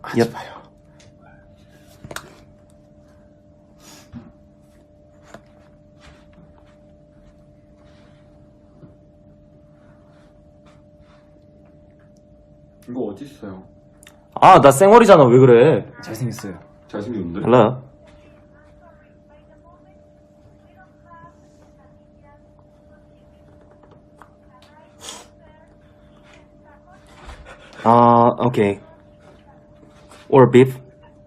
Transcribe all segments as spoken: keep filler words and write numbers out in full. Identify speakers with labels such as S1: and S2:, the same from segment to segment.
S1: 하지
S2: Yep.
S1: 마요.
S3: 이거 어디 있어요?
S2: 아, 나 쌩얼이잖아. 왜 그래?
S1: 잘생겼어요.
S3: 잘생겼는데?
S2: Hello. Uh, okay. Or beef.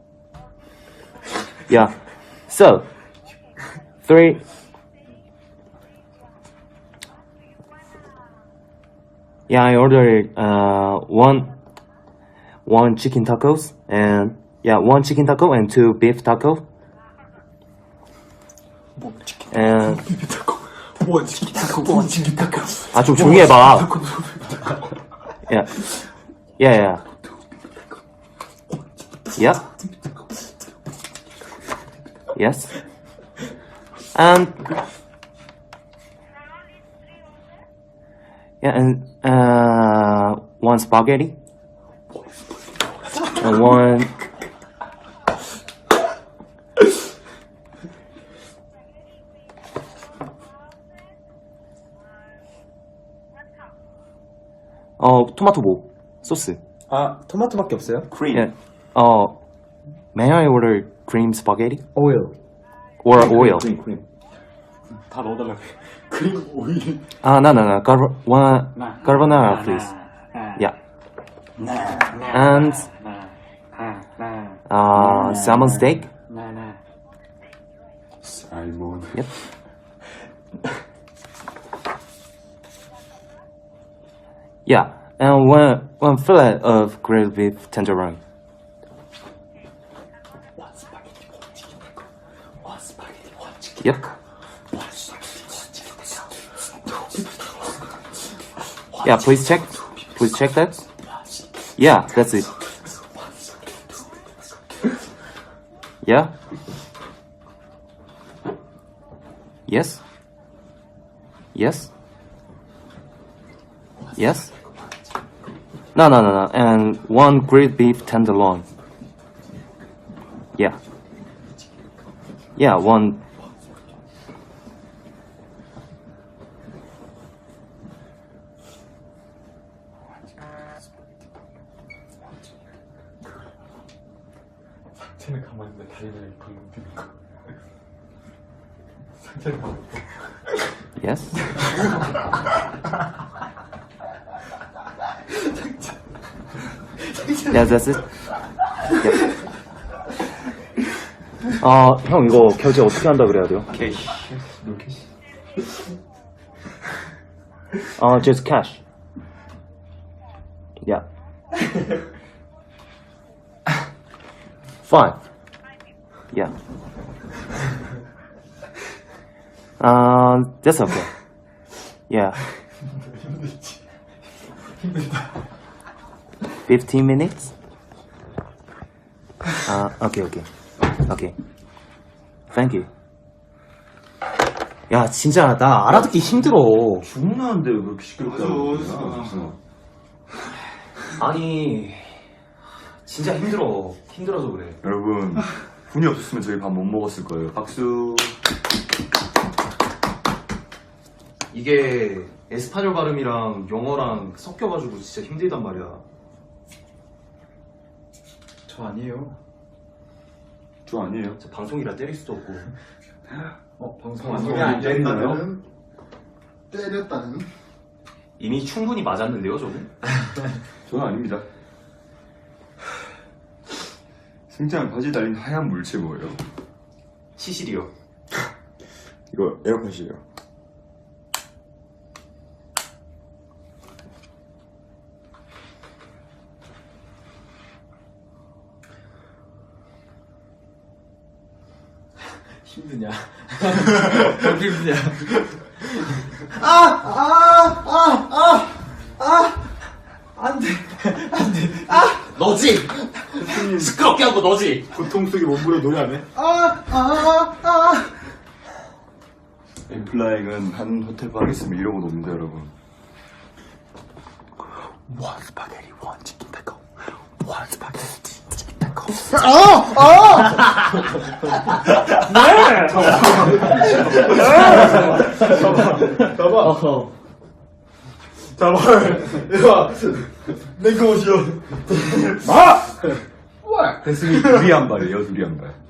S2: Yeah. So, three. Yeah, I ordered uh one one chicken tacos and yeah, one chicken taco and two beef taco. And
S1: 원 치킨 타코, 원 치킨 타코.
S2: 아, 좀 조용히 해봐. Yeah. Yeah, yeah. Yep. Yes. And yeah, and uh, one spaghetti. And one. 어, 토마토 뭐? 소스.
S1: 아, 토마토밖에 없어요?
S3: 크림.
S2: Yeah. 어, may I order cream spaghetti
S1: 오일.
S2: or oil?
S3: 크림, 크림. 다 넣어달라고. 크림, 오일.
S2: Ah, no, no, no. Carbo- one
S4: Nah.
S2: carbonara,
S4: Nah,
S2: please.
S4: nah,
S2: Yeah.
S4: nah, nah,
S2: And
S4: nah, nah, nah,
S2: uh, salmon steak.
S4: nah, nah.
S3: 살몬.
S2: Yep. Yeah, and one one fillet of grilled beef tenderloin. Yep. Yeah, please check. Please check that. Yeah, that's it. Yeah. Yes. Yes. Yes. No, no, no, no. And one grilled beef tenderloin. Yeah. Yeah, one.
S3: 상체는 가만히 있는데 다리를 방금 드는 거. 상체는 가만히 있고.
S2: Yes. Yeah, that's it. Yep. 아, 형 이거 결제 어떻게 한다 그래야 돼요?
S3: 캐시. 너 캐시.
S2: 아, just cash. Yeah. Fine. Yeah. Uh, that's okay. Yeah.
S3: 힘들지. 힘들다.
S2: fifteen minutes? Uh, okay, okay. Okay. Thank you. 야, 진짜 나 알아듣기 힘들어.
S3: 죽나는데 왜 그렇게 시끄럽다고
S4: 맞아,
S3: 그러냐.
S2: 아니, 진짜 힘들어. 힘들어서 그래.
S3: 여러분, 분이 없었으면 저희 밥 못 먹었을 거예요. 박수.
S2: 이게 에스파뇰 발음이랑 영어랑 섞여가지고 진짜 힘들단 말이야.
S1: 저 아니에요.
S3: 저 아니에요.
S2: 진짜 방송이라 때릴 수도 없고.
S1: 어, 방송
S3: 방송이
S1: 안
S3: 안
S1: 되는
S3: 된다면?
S4: 때렸다는?
S2: 이미 충분히 맞았는데요, 저는?
S3: 저는 아닙니다. 승장 바지 달린 하얀 물체 뭐예요?
S2: 시실이요.
S3: 이거 에어컨실이요.
S1: 힘드냐? 힘드냐?
S2: 너지? 시끄럽게 한 거 너지?
S4: 고통 속에 몸부려 노래 안 해?
S3: 엠플라잉은 한 호텔 방에 있으면 이러고 놉니다, 여러분.
S1: 원 스파게티, 원 치킨 타코. 원 스파게티, 치킨
S4: 잡아. 잡아. 야, 내거 옷이야.
S5: 됐으니 둘이 한 발이에요, 둘이 한 발.